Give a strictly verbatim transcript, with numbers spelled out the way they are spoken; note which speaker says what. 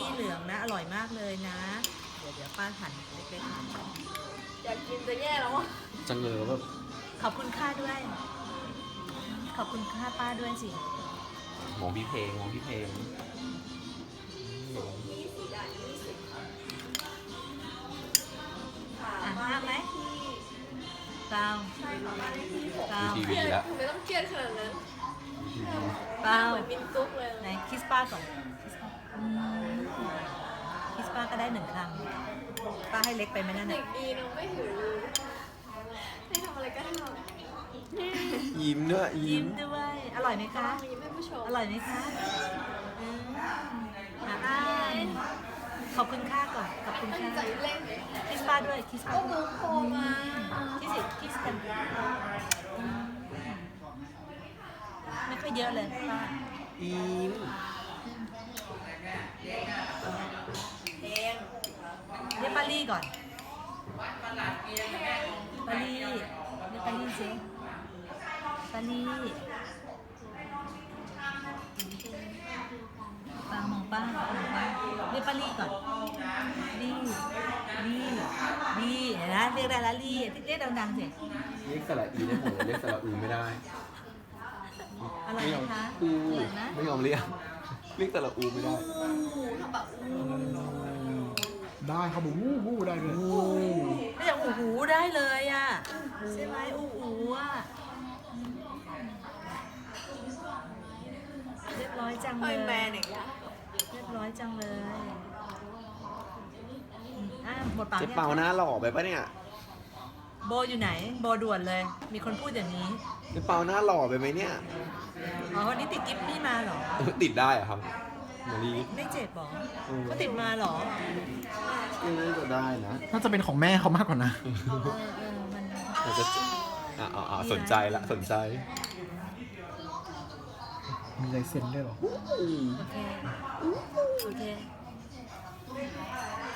Speaker 1: ลี่เหลืองนะอร่อยมากเลยนะเดี๋ยวเดี๋ยวป้าหั่นเล็กๆหั่น
Speaker 2: อยากกินจะแย่แล้วอ่ะ
Speaker 3: จังเลยแบบ
Speaker 1: ขอบคุณค่าด้วย ขอบคุณค่าป้าด้วยสิ
Speaker 3: มองพี่เพลงมองพี่เพลง
Speaker 2: ยี่สิบอ่ะยี่สิบค่ะ
Speaker 1: อ่ะห้ามไหมเปล่า
Speaker 2: ใช่ค่ะบ้านเลขที่หก
Speaker 1: เปล่า
Speaker 3: ที
Speaker 2: เค
Speaker 3: วี
Speaker 2: รียด
Speaker 3: แล้ว
Speaker 2: ทำไมต้องเครียดขนาดนั้น
Speaker 1: เปล่า
Speaker 2: เหมือนมินซุกเลย
Speaker 1: ไหนคิสป้าก่อนอืมคิสป้าก็ได้หนึ่งคำป้าให้เล็กไปไหมนั่น
Speaker 2: เด็
Speaker 1: น่ะ
Speaker 2: กดีน้องไม่ถือเลยให้ทำอะไรก็ทำ
Speaker 3: ยิ้มด้วย
Speaker 1: ยิ้
Speaker 3: ยิ้
Speaker 1: ม
Speaker 3: ม
Speaker 1: ด้วย อร่อยไหม
Speaker 2: ค่ะ
Speaker 1: คะ
Speaker 2: ยิ้มให้ผู้ชม
Speaker 1: อร่อยไหมคะอืมอ่ะอ่านขอบคุณค่าก่อน ขอบคุณ
Speaker 2: ตั้ง
Speaker 1: ค่า
Speaker 2: ใจเล่น
Speaker 1: คิสป้าด้วย คิสป้า
Speaker 2: ก็
Speaker 1: ด้
Speaker 2: มู
Speaker 1: วย
Speaker 2: โคมา
Speaker 1: คิสสิคิสกันอืมไม่ค่อยเยอะเลยป้า
Speaker 3: ยิ้ม
Speaker 2: เอง
Speaker 1: เรียกป้าลี่ก่อนป้าลี่เรียกป้าลี่สิป้าลี่ป้ามองป้ามองป้าเรียกป้าลี่ก่อนลี่ลี่ลี่เห็นไหมเรียกได้แล้วลี่เรียกดังๆสิ
Speaker 3: เรียกสระอีได้หมดเลยเรียกสระอูไม่ได้
Speaker 1: อร่อย
Speaker 3: ไม่
Speaker 1: ไห
Speaker 3: ย
Speaker 1: ม
Speaker 3: อม
Speaker 1: คะ
Speaker 3: อู
Speaker 1: อร่อยนะ
Speaker 3: ไม่ยอมเรียกเรียกสระอูไม่ได้
Speaker 2: อูทำแบบอู
Speaker 4: ได้เขาบอกวู้วู้ได้เลย
Speaker 1: ไม่อย่างอูหูได้เลยอ่ะใช่ไหมอูหูอ่ะเรียบร้อยจัง
Speaker 2: เฮ้
Speaker 1: เลย ย
Speaker 2: แมนอย่างเงี้ย
Speaker 1: เรียบร้อยจังเลยอืมอ่ะหมดปาก
Speaker 3: เจ๊
Speaker 1: ยัง
Speaker 3: เปาหน้าหล่อไปปะเนี่ย
Speaker 1: โบอยู่ไหน โบด่วนเลย มีคนพูดอย่างนี้
Speaker 3: เจ๊เปาหน้าหล่อไปไหมเนี่ย
Speaker 1: อ๋อวันนี้ติดกิฟต์นี่มาเหรอ
Speaker 3: ติดได้เหรอะครับมารี
Speaker 1: ไม่เจ็บเหรอ
Speaker 3: อืม
Speaker 1: ก็ติดมาเหรอ
Speaker 3: น่าจะได้นะ
Speaker 4: น่าจะเป็นของแม่เขามากกว่านะ
Speaker 1: เออเออมัน
Speaker 3: น่าจะอ่าอ่าสนใจละสนใจ
Speaker 4: มีลายเซ็นด้วยเหรอ
Speaker 1: โอเค โอเค